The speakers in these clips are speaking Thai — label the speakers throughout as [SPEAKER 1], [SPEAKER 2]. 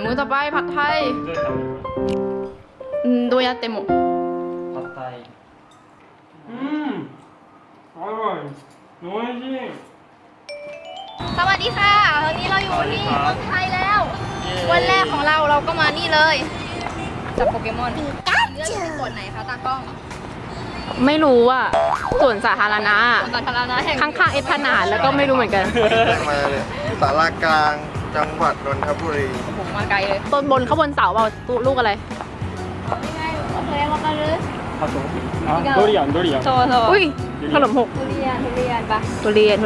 [SPEAKER 1] มื้อต่อไปผัดไทยどうやっても
[SPEAKER 2] ผัดไทยอร่อยโอ้ยจริง
[SPEAKER 1] สวัสดีค่ะวันนี้เราอยู่ที่เมืองไทยแล้ว วันแรกของเราก็มานี่เลยจับโปเกมอนเลือกอยู่ที่ส่วนไหนคะตากล้องไม่รู้อ่ะส่วนสาธารณะข้างๆเอพนาดแล้วก็ไม่รู้เหมือนกัน
[SPEAKER 3] มาเลยสารากลางจังหวัดนนทบุรี
[SPEAKER 1] ผมมาไกลเลยต้นบนข้างบนเสาเปล่าลูกอะไรนี่ไงโอเควากันเลย
[SPEAKER 2] ドリアン
[SPEAKER 1] อุ้ยขนมหก
[SPEAKER 4] ทุเรียนปะ
[SPEAKER 1] ทุเรียน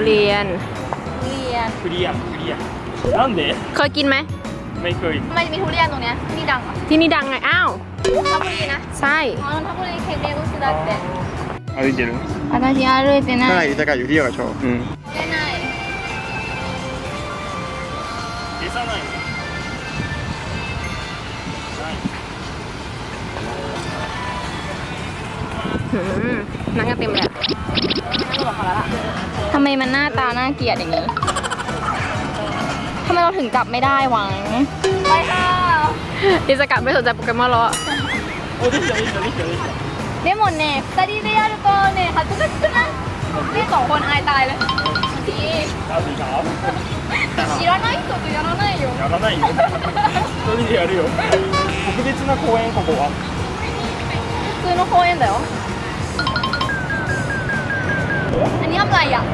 [SPEAKER 2] なんで
[SPEAKER 1] เคยกินไหม
[SPEAKER 2] ไม่เคย
[SPEAKER 4] ทำไมมีทุเรียนตรงเนี้ยที่ดังอ่ะ
[SPEAKER 1] ที่นี่ดังไงอ้าวน
[SPEAKER 4] นทบุรีนะ
[SPEAKER 1] ใช่
[SPEAKER 4] อ๋อนนทบุรีเคเบกุสだって
[SPEAKER 2] 歩いてる
[SPEAKER 4] 私歩いてな
[SPEAKER 3] ใช่
[SPEAKER 4] い
[SPEAKER 3] จะกะอยู่ที่เยาวชน
[SPEAKER 4] 出ない
[SPEAKER 2] 消さない
[SPEAKER 1] นั่งกันเต็มเลย
[SPEAKER 4] ทำไมมันหน้าตาน่าเกลียดอย่างนี้ทำไมเราถึงจับไม่ได้หวังไปค่ะ
[SPEAKER 1] อิสกะไม่สนใจโปเกมอนแล้ว
[SPEAKER 4] でもね2人でやるとね恥ずかしくないね2คนอายตายเลย知らない人とやらないよ
[SPEAKER 2] やらないよ一人でやるよ特別な公園ここは
[SPEAKER 4] 普通の公園だよอันนี้ทำอะไรอ่ะ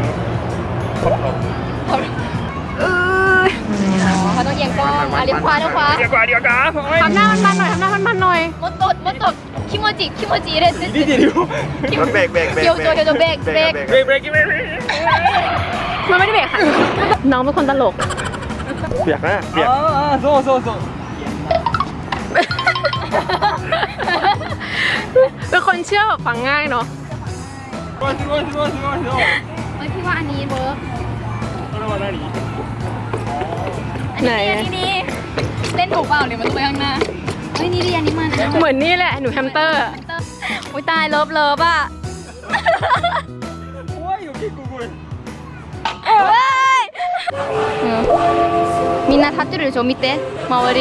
[SPEAKER 4] เขาต้องเอียงกล้องเลี้ยวขวา
[SPEAKER 1] ทำหน้ามันหน่อย
[SPEAKER 4] もっと気持ち入れて
[SPEAKER 2] 入れてるよ
[SPEAKER 3] เบรก
[SPEAKER 4] 表情เบรก
[SPEAKER 2] ブレーキ
[SPEAKER 1] มันไม่ได้เบรกค่ะน้องเป็นคนตลก
[SPEAKER 3] เปียกนะเปียก
[SPEAKER 2] そう
[SPEAKER 1] เป็นคนเชื่อแบบฟังง่ายเนาะ
[SPEAKER 2] すごい
[SPEAKER 4] พี่ว่าอันนี้เวิร์ก
[SPEAKER 2] これは何
[SPEAKER 1] ไหน
[SPEAKER 4] นี่เล่นถูกเปล่าหรือมันต้องไปข้างหน้าเฮ้ยนี่ดิอันนี้มัน
[SPEAKER 1] เหมือนนี่แหละหนูแฮมสเตอร์
[SPEAKER 4] อุ้ยตายเลิฟอ่ะ
[SPEAKER 2] 怖いよ結構これ
[SPEAKER 4] みんな立ってるでしょ見て周り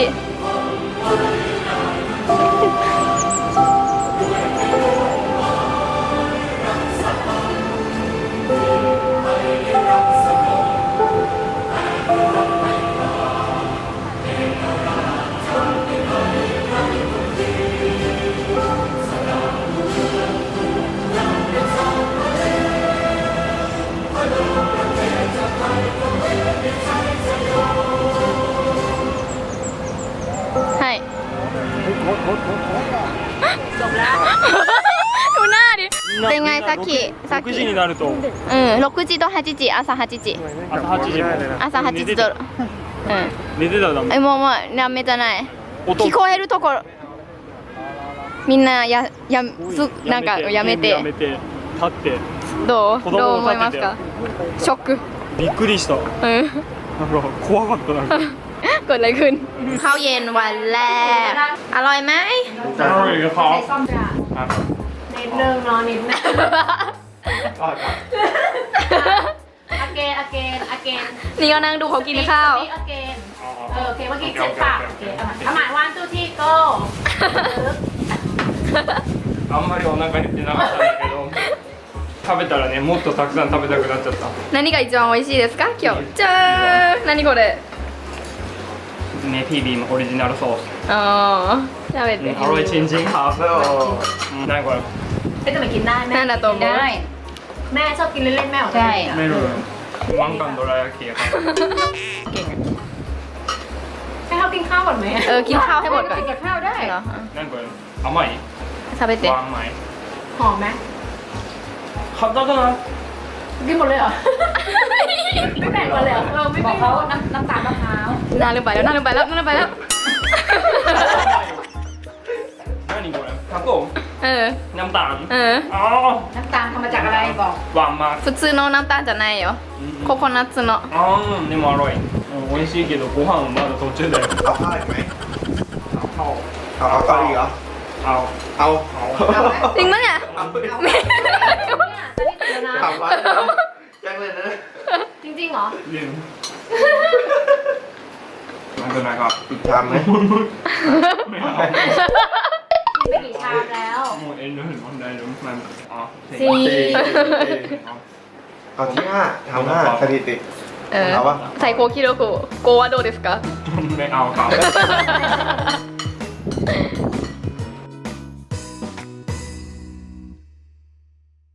[SPEAKER 1] ดูหน้าดิ
[SPEAKER 4] เป็นไงさっき
[SPEAKER 2] 6時になると
[SPEAKER 4] 6時と8時朝8時
[SPEAKER 2] 朝8時も
[SPEAKER 4] 朝8時と
[SPEAKER 2] 寝てたらダメ
[SPEAKER 4] もうダメじゃない聞こえるところみんななんかやめて
[SPEAKER 2] 立って
[SPEAKER 4] どう思いますかショック
[SPEAKER 2] びっくりしたなんか怖かったなんか
[SPEAKER 1] เกิดอะไรขึ้นข้าวเย็นวันแรกอร่อยไหม
[SPEAKER 2] อร่อยครับ
[SPEAKER 1] นิดนึงนิดนึงนี่ก็นั่งดูเขากินข้าว
[SPEAKER 5] โอเคเมื่อกี้เจ็บปากเอาหมายวันตู้ที่โก้
[SPEAKER 2] あんまりお腹減ってなかったんだけど食べたらねもっとたくさん食べたくなっちゃった
[SPEAKER 1] 何が一番美味しいですか今日じゃーん何これ
[SPEAKER 2] ねフィービーオリジナルソース
[SPEAKER 1] อ๋อ食べて
[SPEAKER 2] อร่อยจริงๆครับนั่นก่อน
[SPEAKER 5] จะไม่กินได้แม่
[SPEAKER 1] นั่นแหละตัวได้
[SPEAKER 5] แม่ชอบกินเล่นๆแม่ของ
[SPEAKER 4] ใช่
[SPEAKER 2] ไม่รู้ワンカンドラ焼きครับ
[SPEAKER 1] เก่ง
[SPEAKER 5] ให้เขากินข้าวก่อนไหม
[SPEAKER 1] กินข้าวให้หมดก่อน
[SPEAKER 5] กินกับข้าวได้
[SPEAKER 1] เหรอ
[SPEAKER 2] นั่นก่อน甘い
[SPEAKER 1] 食べて
[SPEAKER 2] หวานไหม
[SPEAKER 5] หอมไหม
[SPEAKER 2] ขับได้ก็นะ
[SPEAKER 5] กินหมดเลยเหรอไม่แบ่งกันเลยเหรอไม่บอกเขาน้ำตาลมะพร้าว
[SPEAKER 1] น่าลืมไปแล้ว
[SPEAKER 2] 何これタコน้ำตาลอ๋อ
[SPEAKER 5] น้ำตาลทำมาจากอะไรบอก
[SPEAKER 2] หวานมาก
[SPEAKER 1] 普通のน้ำตาลじゃないよココナッツの
[SPEAKER 2] でもอร่อย美味しいけどご飯まだ途中だよ
[SPEAKER 3] เอาข้าวอีกไหมเอาเกาหลีเหรอเอา
[SPEAKER 1] จริงปะเนี่ย
[SPEAKER 3] ถามว่ายังเลยนะ
[SPEAKER 5] จริงเหรอ
[SPEAKER 2] เป็นไรครับ
[SPEAKER 3] อีกชามไหม
[SPEAKER 2] ไม่เอา
[SPEAKER 5] กินไปกี่ชามแล้ว
[SPEAKER 2] もう遠慮する問題でมันอ๋อ
[SPEAKER 5] สี่
[SPEAKER 3] เอาที่ห้าทำห้าสถิติ
[SPEAKER 4] うん
[SPEAKER 3] เอาปะ
[SPEAKER 4] 最高記録5はどうですか
[SPEAKER 2] ไม่เอาครับ